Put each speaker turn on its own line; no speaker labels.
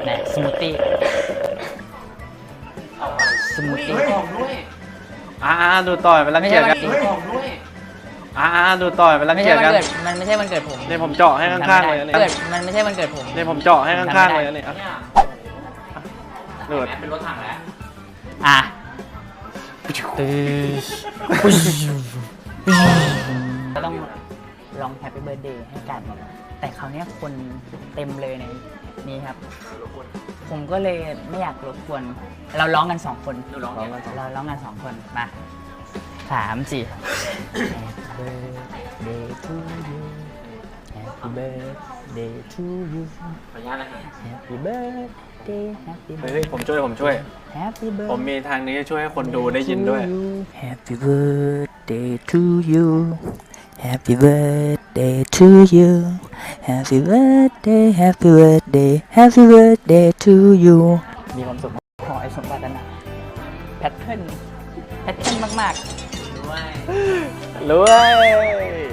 นะสมูทตี้สมูทตี้
ด้วย
ดูต่อยไปรังเกียจกัน ดูต่อยไปรัง
ไม่
เกี
ใช่
ยจ
วัน
กัน
เกิดมันไม่ใช่วันเกิดผม
เนี่ยผมเจาะให้ข้างๆเลยเนี่ย
มันไม่ใช่วันเกิดผม
เนี่ยผมเจาะให้ข้างๆเลยเนี่ยหลุด
เป็นรถถังแล้ว
อ่ะก็ต้องลองแฮปปี้เบิร์ดเดย์ให้กัน แต่คราวนี้คนเต็มเลยในนี้ครับ ผมก็เลยไม่อยากรบกวนเราร้องกัน2 คนเราร้องกัน2 คนมา3 4 Happy birthday to you Happy birthday to you
ขออนุญาตนะครับ
Happy birthday Happy
เฮ้ยผมช่วย
Happy birthday
ผมมีทางนี้ช่วยให้คนดูได้ยินด้วย
Happy birthday to you Happy birthday to you Happy birthday Happy birthday Happy birthday to you มีความสุขขอให้สมปรารถนาแพทเทิร์นมากๆ
รวย